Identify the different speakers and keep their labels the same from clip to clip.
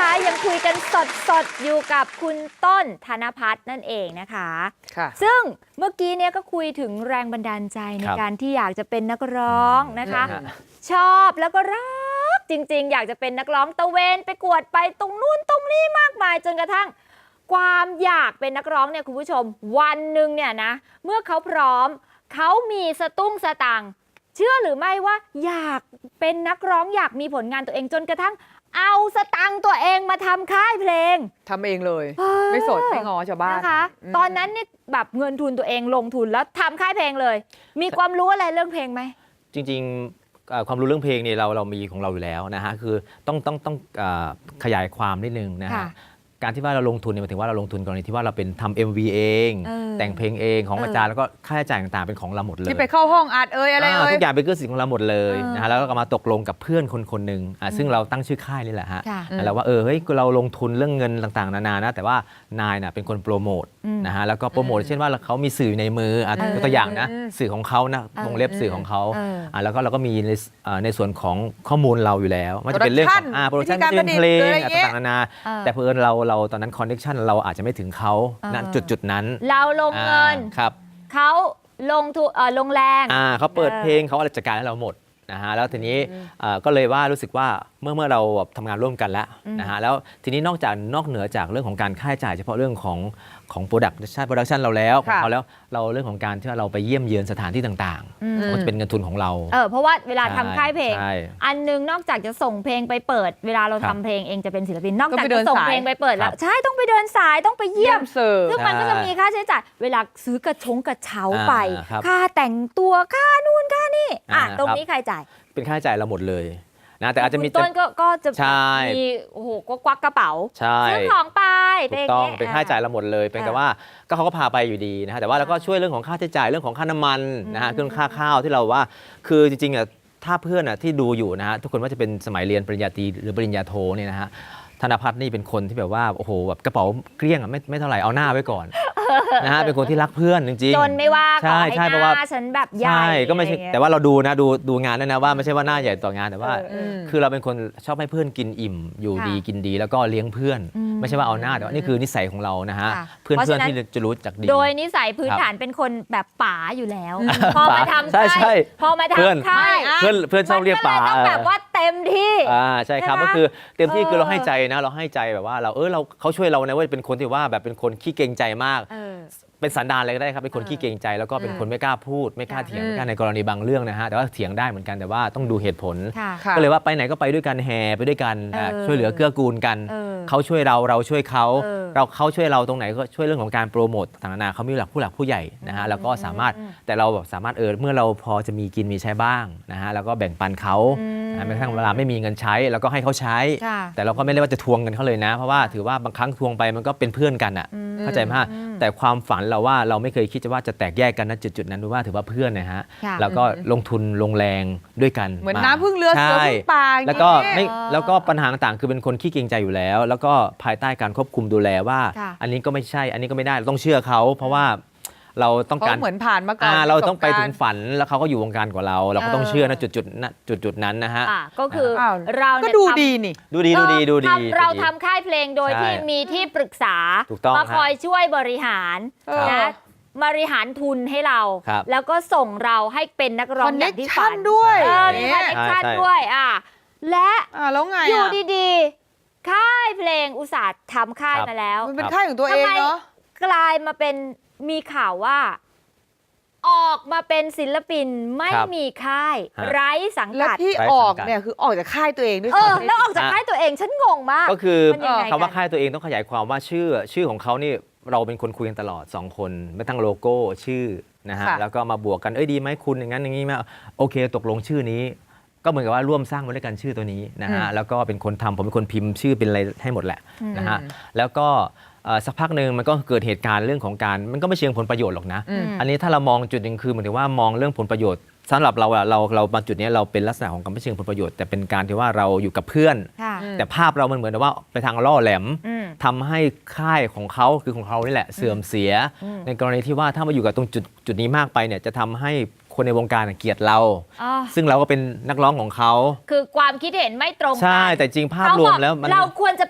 Speaker 1: นะคะยังคุยกันสดอยู่กับคุณต้นธนภัทรนั่นเองนะคะซึ่งเมื่อกี้เนี่ยก็คุยถึงแรงบันดาลใจในการที่อยากจะเป็นนักร้องนะคะชอบแล้วก็รักจริงๆอยากจะเป็นนักร้องตะเวนไปกวดไปตรงนู้นตรงนี้มากมายจนกระทั่งความอยากเป็นนักร้องเนี่ยคุณผู้ชมวันหนึ่งเนี่ยนะเมื่อเขาพร้อมเขามีสตุ้งสตางค์เชื่อหรือไม่ว่าอยากเป็นนักร้องอยากมีผลงานตัวเองจนกระทั่งเอาสตังค์ตัวเองมาทำค่ายเพลง
Speaker 2: ทำเองเลยไม่สดไม่งอชาวบ้าน
Speaker 1: นะคะตอนนั้นนี่แบบเงินทุนตัวเองลงทุนแล้วทำค่ายเพลงเลยมีความรู้อะไรเรื่องเพลงไหม
Speaker 3: จริงๆความรู้เรื่องเพลงเนี่ยเรามีของเราอยู่แล้วนะฮะคือต้องขยายความนิดนึงนะฮะการที่ว่าเราลงทุนเนี่ยหมายถึงว่าเราลงทุนกรณีที่ว่าเราเป็นทำ MV เองแต่งเพลงเองของอาจารย์แล้วก็ค่าใช้จ่ายต่างๆเป็นของเราหมดเลย
Speaker 2: ที่ไปเข้าห้องอัดอะไร
Speaker 3: ทุกอย่างเป็นเครื่องสิทธิ์ของเราหมดเลยนะฮะแล้วก็มาตกลงกับเพื่อนคนหนึ่งซึ่งเราตั้งชื่อค่ายนี่แหละฮะแล้วว่าเฮ้ยเราลงทุนเรื่องเงินต่างๆนานานะแต่ว่านายน่ะเป็นคนโปรโมทนะฮะแล้วก็โปรโมทเช่นว่าเขามีสื่อในมือยกตัวอย่างนะสื่อของเขานะวงเล็บสื่อของเขาแล้วก็เราก็มีในส่วนของข้อมูลเราอยู่แล้วมันจะเป็นเรื่องของโปรดักชั่นเป็นเพลงต่างๆนานาแต่เพื่อนเราตอนนั้นคอนเนคชั่นเราอาจจะไม่ถึงเขาณจุดนั้น
Speaker 1: เราลงเงินเขาลงทุนลงแรง
Speaker 3: เขาเปิดเพลงเขาอะไรจัดการให้เราหมดนะฮะแล้วทีนี้ก็เลยว่ารู้สึกว่าเมื่อเราทำงานร่วมกันแล้วนะฮะแล้วทีนี้นอกเหนือจากเรื่องของการค่าใช้จ่ายเฉพาะเรื่องของโปรดักชั่นเราแล้วของเขาแล้วเราเรื่องของการที่เราไปเยี่ยมเยือนสถานที่ต่างๆมันจะเป็นเงินทุนของเรา
Speaker 1: เพราะว่าเวลาทำค่ายเพลงอันนึงนอกจากจะส่งเพลงไปเปิดเวลาเราทำเพลงเองจะเป็นศิลปินนอกจากจะส่งเพลงไปเปิดแล้วใช่ต้องไปเดินสายต้องไปเยี่ยมซึ่งมันก็จะมีค่าใช้จ่ายเวลาซื้อกระเช้าไปค่าแต่งตัวค่านู่นค่านี่ตรงนี้ใครจ่าย
Speaker 3: เป็นค่าใช้จ่ายเราหมดเลยนะแต่อาจจะมี
Speaker 1: ต้นก็จะมีโอ้โหก็ควักกระเป๋าซื้อของไป
Speaker 3: ถูกต้องเป็นค่าใช้จ่ายเราหมดเลยเป็นแต่ว่าเขาก็พาไปอยู่ดีนะฮะแต่ว่าเราก็ช่วยเรื่องของค่าใช้จ่ายเรื่องของค่าน้ำมันนะฮะเครื่องค่าข้าวที่เราว่าคือจริงๆถ้าเพื่อนที่ดูอยู่นะฮะทุกคนว่าจะเป็นสมัยเรียนปริญญาตรีหรือปริญญาโทเนี่ยนะฮะธนภัทรนี่เป็นคนที่แบบว่าโอ้โหแบบกระเป๋าเกลี้ยงไม่เท่าไหร่เอาหน้าไว้ก่อนนะฮะเป็นคนที่รักเพื่อนจริง
Speaker 1: ๆจนไม่ว่าขอให้หน้าฉันแบบใหญ่
Speaker 3: ใช่ก็ไม่ใช่แต่ว่าเราดูนะดูงานด้วยนะว่าไม่ใช่ว่าหน้าใหญ่ต่องานแต่ว่าคือเราเป็นคนชอบให้เพื่อนกินอิ่มอยู่ดีกินดีแล้วก็เลี้ยงเพื่อนไม่ใช่ว่าเอาหน้าแต่ว่านี่คือนิสัยของเรานะฮะเพื่อนที่จะรู้จักดี
Speaker 1: โดยนิสัยพื้นฐานเป็นคนแบบป๋าอยู่แล้วพอมาทำ
Speaker 3: ใช่
Speaker 1: พอมาทำค่าย
Speaker 3: เพื่อนชอบเรียกป๋า
Speaker 1: ต้องแบบว่าเต็มที่
Speaker 3: ใช่ครับก็คือเต็มที่คือเราให้ใจนะเราให้ใจแบบว่าเขาช่วยเรานะว่าเป็นคนที่ว่าแบบเป็นคนขี้เกรงใจมากเป็นสันดานอะไรก็ได้ครับเป็นคนขี้เกรงใจแล้วก็เป็นคนไม่กล้าพูดไม่กล้าเถียงไม่กล้าในกรณีบางเรื่องนะฮะแต่ว่าเถียงได้เหมือนกันแต่ว่าต้องดูเหตุผลก็เลยว่าไปไหนก็ไปด้วยกันแห่ไปด้วยกันช่วยเหลือเกื้อกูลกันเขาช่วยเราช่วยเขาช่วยเราตรงไหนก็ช่วยเรื่องของการโปรโมทต่างๆนาเขามีผู้หลักผู้ใหญ่นะฮะแล้วก็สามารถแต่เราแบบสามารถเมื่อเราพอจะมีกินมีใช้บ้างนะฮะแล้วก็แบ่งปันเขาแม้กระทั่งเวลาไม่มีเงินใช้แล้วก็ให้เขาใช้แต่เราก็ไม่ได้ว่าจะทวงเงินเขาเลยนะเพราะว่าถือว่าบางครั้งทวงไปมันก็เป็นเพื่อนกันอ่ะเข้าใจไหมแต่ความฝันเราว่าเราไม่เคยคิดว่าจะแตกแยกกันณจุดนั้นว่าถือว่าเพื่อนนะฮะแล้วก็ลงทุนลงแรงด้วยกัน
Speaker 2: เหมือนน้ำพึ่งเรือเสือพึ่งป่า
Speaker 3: แล้วก็ปัญหาต่างๆคือเป็นคนขี้เกรงใจอยู่แล้วแล้วก็ภายใต้การควบคุมดูแลว่าอันนี้ก็ไม่ใช่อันนี้ก็ไม่ได้เราต้องเชื่อเขาเพราะว่าเราต้องการ
Speaker 2: เหมือนผ่านมาก่อน
Speaker 3: เราต้องไปถึงฝันแล้วเขาก็อยู่วงการกว่าเราก็ต้องเชื่อนะจุดนั้นนะฮะ
Speaker 1: ก็คือเรา
Speaker 2: ก็ดูดีนี่
Speaker 3: ดูดี
Speaker 1: เราทำค่ายเพลงโดยที่มีที่ปรึกษามาคอยช่วยบริหารนะบริหารทุนให้เราแล้วก็ส่งเราให้เป็นนักร้องอย่างที่ฝัน
Speaker 2: ด้วย
Speaker 1: มีคอนเนคชั่นด้วยและอยู่ดีๆค่ายเพลงอุตสาหทำค่ายมาแล้ว
Speaker 2: มันเป็นค่ายของตัวเองเนาะ
Speaker 1: กลายมาเป็นมีข่าวว่าออกมาเป็นศิลปินไม่มีค่ายไร้สังกัด
Speaker 2: และที่ออกเนี่ยคือออกจากค่ายตัวเองด้วย
Speaker 1: แล้วออกจากค่ายตัวเองฉันงงมาก
Speaker 3: ก็คือคำว่าค่ายตัวเองต้องขยายความว่าชื่อของเขานี่เราเป็นคนคุยกันตลอด2คนไม่ตั้งโลโก้ชื่อนะฮะแล้วก็มาบวกกันดีไหมคุณอย่างนั้นอย่างนี้ไหมโอเคตกลงชื่อนี้ก็เหมือนกับว่าร่วมสร้างมาด้วยกันชื่อตัวนี้นะฮะแล้วก็เป็นคนทำผมเป็นคนพิมพ์ชื่อเป็นอะไรให้หมดแหละนะฮะแล้วก็สักพักหนึ่งมันก็เกิดเหตุการณ์เรื่องของการมันก็ไม่เชิงผลประโยชน์หรอกนะอันนี้ถ้าเรามองจุดหนึ่งคือเหมือนกับว่ามองเรื่องผลประโยชน์สำหรับเราบางจุดนี้เราเป็นลักษณะของการไม่เชิงผลประโยชน์แต่เป็นการที่ว่าเราอยู่กับเพื่อนแต่ภาพเรามันเหมือนว่าไปทางล่อแหลมทำให้ค่ายของเขาคือของเขานี่แหละเสื่อมเสียในกรณีที่ว่าถ้ามาอยู่กับตรงจุดนี้มากไปเนี่ยจะทำให้คนในวงการเกลียดเราซึ่งเราก็เป็นนักร้องของเขา
Speaker 1: คือความคิดเห็นไม่ตรงกัน
Speaker 3: ใช่แต่จริงภาพรวมแล้ว
Speaker 1: เราควรจะไป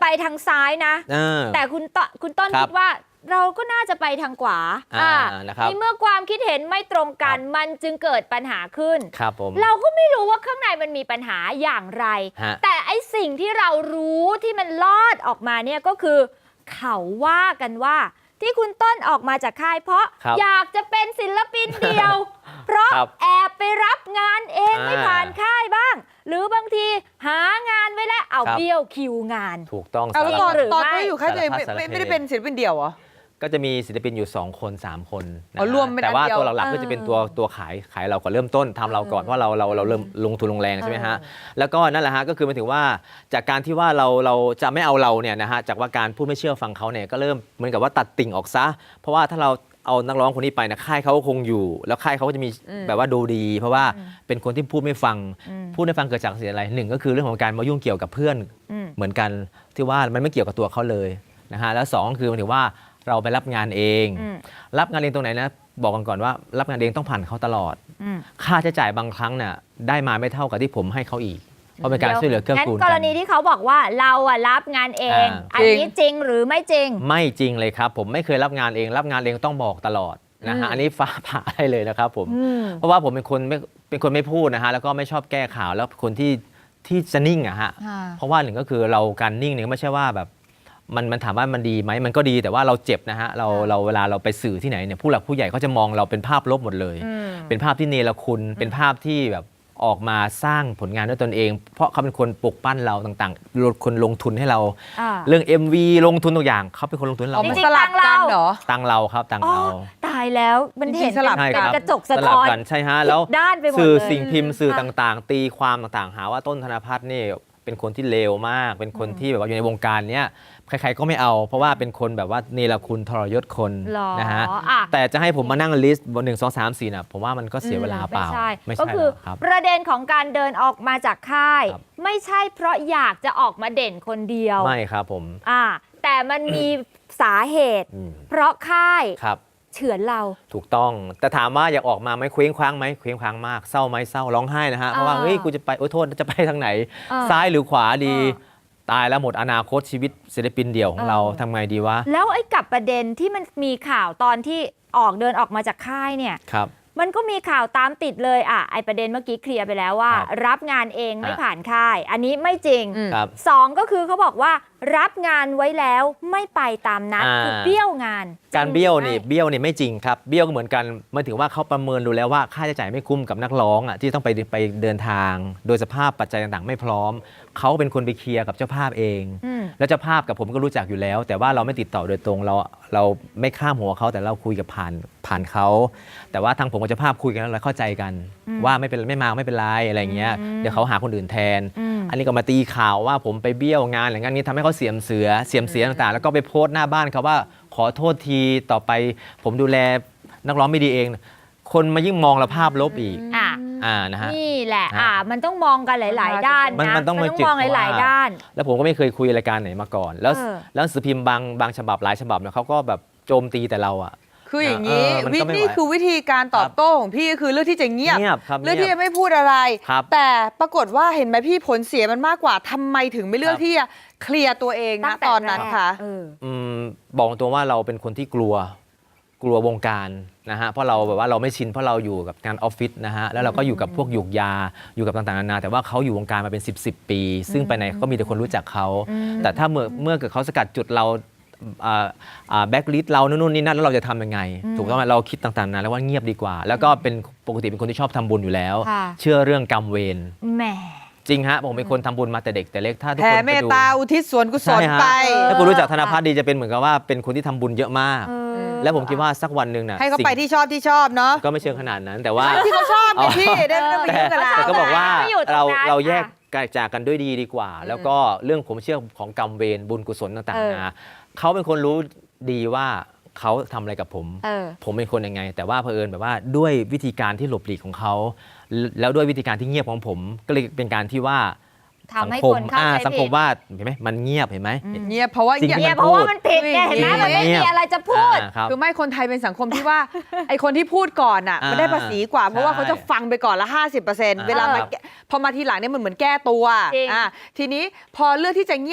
Speaker 1: ทางซ้ายนะ แต่คุณต้นคิดว่าเราก็น่าจะไปทางขวาในเมื่อความคิดเห็นไม่ตรงกันมันจึงเกิดปัญหาขึ้น
Speaker 3: ครับผม
Speaker 1: เราก็ไม่รู้ว่าข้างในมันมีปัญหาอย่างไรแต่ไอสิ่งที่เรารู้ที่มันลอดออกมาเนี่ยก็คือเขาว่ากันว่าที่คุณต้นออกมาจากค่ายเพราะอยากจะเป็นศิลปินเดียว เพราะแอบไปรับงานเองไม่ผ่านค่ายบ้างหรือบางทีหางานไว้แล้วเอาเบี้ยวคิวงาน
Speaker 3: ถูกต้อง
Speaker 2: แล้วตอนที่อยู่ค่ายตัวเองไม่ได้เป็นศิลปินเดี่ยวเหรอ
Speaker 3: ก็จะมีศิลปินอยู่2 คน 3 คน
Speaker 2: รวม
Speaker 3: แต่ว่าตัวหลักๆก็จะเป็นตัวขายเราก่อนเริ่มต้นทำเราก่อนเพราะเราเริ่มลงทุนลงแรงใช่ไหมฮะแล้วก็นั่นแหละฮะก็คือหมายถึงว่าจากการที่ว่าเราจะไม่เอาเราเนี่ยนะฮะจากว่าการพูดไม่เชื่อฟังเขาเนี่ยก็เริ่มเหมือนกับว่าตัดติ่งออกซะเพราะว่าถ้าเราเอานักร้องคนนี้ไปนะค่ายเขาคงอยู่แล้วค่ายเขาก็จะมีแบบว่าดูดีเพราะว่าเป็นคนที่พูดไม่ฟังเกิดจากสิ่งอะไร1ก็คือเรื่องของการมายุ่งเกี่ยวกับเพื่อนเหมือนกันที่ว่ามันไม่เกี่ยวกับตัวเขาเลยนะฮะแล้ว2คือหมายถึงว่าเราไปรับงานเองรับงานเองตรงไหนนะบอกกันก่อนว่ารับงานเองต้องผ่านเขาตลอดค่าใช้จ่ายบางครั้งเนี่ยได้มาไม่เท่ากับที่ผมให้เขาอีกเพราะเป็นการช่วยเหลือเกื้อกูลกัน
Speaker 1: กรณีที่เขาบอกว่าเรารับงานเองอันนี้จริงหรือไม่จริง
Speaker 3: ไม่จริงเลยครับผมไม่เคยรับงานเองรับงานเองต้องบอกตลอดนะฮะอันนี้ฟ้าผ่าได้เลยนะครับผมเพราะว่าผมเป็นคนไม่พูดนะฮะแล้วก็ไม่ชอบแก้ข่าวแล้วคนที่จะนิ่งอะฮะเพราะว่า1ก็คือเราการนิ่งเนี่ยไม่ใช่ว่าแบบมันถามว่ามันดีไหมมันก็ดีแต่ว่าเราเจ็บนะฮะเราเวลาเราไปสื่อที่ไหนเนี่ยผู้หลักผู้ใหญ่เขาจะมองเราเป็นภาพลบหมดเลยเป็นภาพที่เนรคุณเป็นภาพที่แบบออกมาสร้างผลงานด้วยตนเองเพราะเขาเป็นคนปลุกปั้นเราต่างๆคนลงทุนให้เราเรื่อง MV ลงทุนตัวอย่างเขาเป็นคนลงทุนเรา
Speaker 1: จริงๆตังเรา
Speaker 2: เหรอ
Speaker 3: ตังเราครับตังเรา
Speaker 1: ตายแล้วมันเห็น
Speaker 2: สลับ
Speaker 1: เป็นกระจกสะท้อน
Speaker 3: กันใช่ฮะแล้ว
Speaker 1: ด้านไปหมด
Speaker 3: สื่อสิ่งพิมพ์สื่อต่างๆตีความต่างๆหาว่าต้นธนภัทรนี่เป็นคนที่เลวมากเป็นคนที่แบบว่าอยู่ในวงการเนี้ยใครๆก็ไม่เอาเพราะว่าเป็นคนแบบว่าเนรคุณทรยศคนนะฮะแต่จะให้ผมมานั่งลิสต์บน1 2 3 4น่ะผมว่ามันก็เสียเวลาเปล่า
Speaker 1: ไม่ใช่ก็คือประเด็นของการเดินออกมาจากค่ายไม่ใช่เพราะอยากจะออกมาเด่นคนเดียว
Speaker 3: ไม่ครับผม
Speaker 1: แต่มันมีสาเหตุเพราะค่ายเฉือนเรา
Speaker 3: ถูกต้องแต่ถามว่าอยากออกมาไหมเคว้งคว้างไหมเคว้งคว้างมากเศร้าไหมเศร้าร้องไห้นะฮะเพราะว่าเฮ้ยกูจะไปโทษจะไปทางไหนซ้ายหรือขวาดีตายแล้วหมดอนาคตชีวิตศิลปินเดี่ยวของเราทำไงดีวะ
Speaker 1: แล้วไอ้กับประเด็นที่มันมีข่าวตอนที่เดินออกมาจากค่ายเนี่ยมันก็มีข่าวตามติดเลยไอ้ประเด็นเมื่อกี้เคลียร์ไปแล้วว่ารับงานเองไม่ผ่านค่ายอันนี้ไม่จริง2ก็คือเขาบอกว่ารับงานไว้แล้วไม่ไปตามนัดคือเบี้ยวงาน
Speaker 3: การเบี้ยวนี่ไม่จริงครับเบี้ยวก็เหมือนกันมันถือว่าเขาประเมินดูแล้วว่าค่าใช้จ่ายไม่คุ้มกับนักร้องที่ต้องไปเดินทางโดยสภาพปัจจัยต่างๆไม่พร้อมเขาเป็นคนไปเคลียร์กับเจ้าภาพเองแล้วเจ้าภาพกับผมก็รู้จักอยู่แล้วแต่ว่าเราไม่ติดต่อโดยตรงเราไม่ข้ามหัวเขาแต่เราคุยกับผ่านเขาแต่ว่าทางผมกับเจ้าภาพคุยกันแล้วเราเข้าใจกันว่าไม่มาไม่เป็นไรอะไรเงี้ยเดี๋ยวเขาหาคนอื่นแทนอันนี้ก็มาตีข่าวว่าผมไปเบี้ยวงานอะไรงั้นนี้ทำให้เขาเสียมเสียต่างๆแล้วก็ไปโพสต์หน้าบ้านเขาว่าขอโทษทีต่อไปผมดูแลนักร้องไม่ดีเองคนมายิ่งมองเราภาพลบอีกนะฮะ
Speaker 1: นี่แหละมันต้องมองกันหลายๆด้านนะ
Speaker 3: มันต้อง
Speaker 1: มองหลายๆด้าน
Speaker 3: แล้วผมก็ไม่เคยคุยรายการไหนมาก่อนแล้วหนังสือพิมพ์บางฉบับหลายฉบับเนี่ยเขาก็แบบโจมตีแต่เรา
Speaker 2: คืออย่างนี้นี่คือวิธีการตอบโต้ของพี่ก็คือเลือกที่จะเงียบเลือกที่จะไม่พูดอะไรแต่ปรากฏว่าเห็นไหมพี่ผลเสียมันมากกว่าทำไมถึงไม่เลือกที่จะเคลียร์ตัวเองนะตอนนั้นคะ
Speaker 3: บอกตัวว่าเราเป็นคนที่กลัววงการนะฮะเพราะเราแบบว่าเราไม่ชินเพราะเราอยู่กับงานออฟฟิศนะฮะแล้วเราก็อยู่กับพวกหยุกยาอยู่กับต่างๆนานาแต่ว่าเขาอยู่วงการมาเป็น10 ปี ซึ่งไปไหนก็มีแต่คนรู้จักเขาแต่ถ้าเมื่อเกิดเขาสกัดจุดเราแบ็กลิสต์เรานู่นนี่นั่นแล้วเราจะทำยังไงถูกต้องไหมเราคิดต่างๆนะแล้วว่าเงียบดีกว่าแล้วก็เป็นปกติเป็นคนที่ชอบทำบุญอยู่แล้วเชื่อเรื่องกรรมเวร
Speaker 1: แหม
Speaker 3: จริงฮะผมเป็นคนทำบุญมาแต่เด็กแต่เล็กถ้าทุกคน
Speaker 2: แผ่เมตตาอุทิศส่วนกุศลไป
Speaker 3: ถ้าคุณรู้จักธนภัทรดีจะเป็นเหมือนกับว่าเป็นคนที่ทำบุญเยอะมากแล้วผมคิดว่าสักวันหนึ่งนะ
Speaker 2: ให้เขาไปที่ชอบเนาะ
Speaker 3: ก็ไม่เชิงขนาดนั้นแต่ว่า
Speaker 2: ที่เขาชอบไงพี่ได้ไม่ไปยุ่งกับเรา
Speaker 3: แต่ก็บอกว่าเราแยกจากกันด้วยดีกว่าแล้วก็เรื่องผมเชื่อของกรรมเวรบุญกุศลต่างๆนะเขาเป็นคนรู้ดีว่าเขาทำอะไรกับผมเป็นคนยังไงแต่ว่าเผอิญแบบว่าด้วยวิธีการที่หลบหลีกของเขาแล้วด้วยวิธีการที่เงียบของผมก็เลยเป็นการที่ว่าสังคมว่าเห็นไหมมันเงียบเห็นไหม
Speaker 2: เงียบเพราะว่า
Speaker 1: มันผิดไงเห็นไหมมันไม่มีอะไรจะพูด
Speaker 2: คือไม่คนไทยเป็นสังคมที่ว่าไอคนที่พูดก่อนมันได้ภาษีกว่าเพราะว่าเขาจะฟังไปก่อนละ 50% เวลาพอมาทีหลังเนี่ยมันเหมือนแก้ตัวทีนี้พอเลือกที่จะเงียบ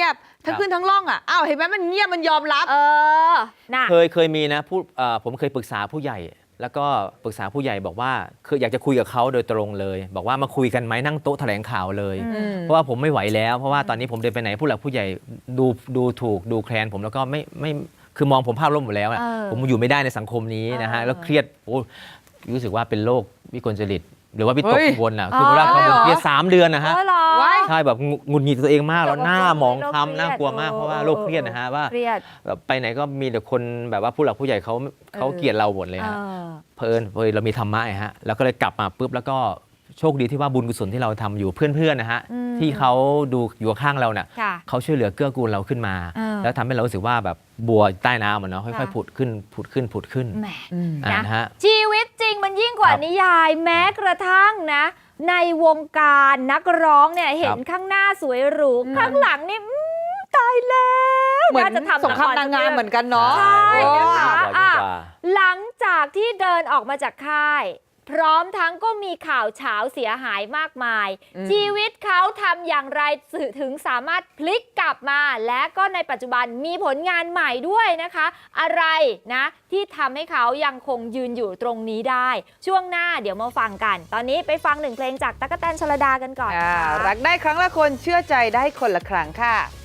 Speaker 2: ทั้งขึ้นทั้งล่องอ่ะอ้าวเห็นไหมมันเงียบมันยอมรับ
Speaker 1: น่ะ
Speaker 3: เคยมีนะผมเคยปรึกษาผู้ใหญ่ แล้วก็ปรึกษาผู้ใหญ่บอกว่าคืออยากจะคุยกับเขาโดยตรงเลย บอกว่ามาคุยกันไหมนั่งโต๊ะแถลงข่าวเลยเพราะว่าผมไม่ไหวแล้วเพราะว่าตอนนี้ผมเดินไปไหนผู้หลักผู้ใหญ่ดูถูกดูแคลนผมแล้วก็ไม่คือมองผมภาพลบหมดแล้วนะผมอยู่ไม่ได้ในสังคมนี้นะฮะแล้วเครียดรู้สึกว่าเป็นโรควิกลจริตหรือว่าวิตกกังวลอ่ะคือเวลาเขาเครียด3 เดือนนะฮะใช่แบบหงุดหงิดตัวเองมากแล้วหน้าหมองคล้ำน่ากลัวมากเพราะว่าโรคเครียดนะฮะว่าแบบไปไหนก็มีแต่คนแบบว่าผู้หลักผู้ใหญ่เขาเกลียดเราหมดเลยฮะเพลินเรามีธรรมะฮะแล้วก็เลยกลับมาปุ๊บแล้วก็โชคดีที่ว่าบุญกุศลที่เราทำอยู่เพื่อนๆนะฮะที่เขาดูอยู่ข้างเราเนี่ยเขาช่วยเหลือเกื้อกูลเราขึ้นมาแล้วทำให้เรารู้สึกว่าแบบบัวใต้น้ำมันเนาะค่อยๆผุดขึ้น
Speaker 1: แหม
Speaker 3: นะฮะ
Speaker 1: ชีวิตจริงมันยิ่งกว่านิยายแม้กระทั่งนะในวงการนักร้องเนี่ยเห็นข้างหน้าสวยหรูข้างหลังนี่ตายแล้ว
Speaker 2: เหมือนจะทำสงครามนางงามเหมือนกันเนาะ
Speaker 1: ใช่นะคะหลังจากที่เดินออกมาจากค่ายพร้อมทั้งก็มีข่าวเฉาเสียหายมากมายชีวิตเขาทำอย่างไรถึงสามารถพลิกกลับมาและก็ในปัจจุบันมีผลงานใหม่ด้วยนะคะอะไรนะที่ทำให้เขายังคงยืนอยู่ตรงนี้ได้ช่วงหน้าเดี๋ยวมาฟังกันตอนนี้ไปฟัง1 เพลงจากตั๊กแตนชลดากันก่อน
Speaker 2: รักได้ครั้งละคนเชื่อใจได้คนละครั้งค่ะ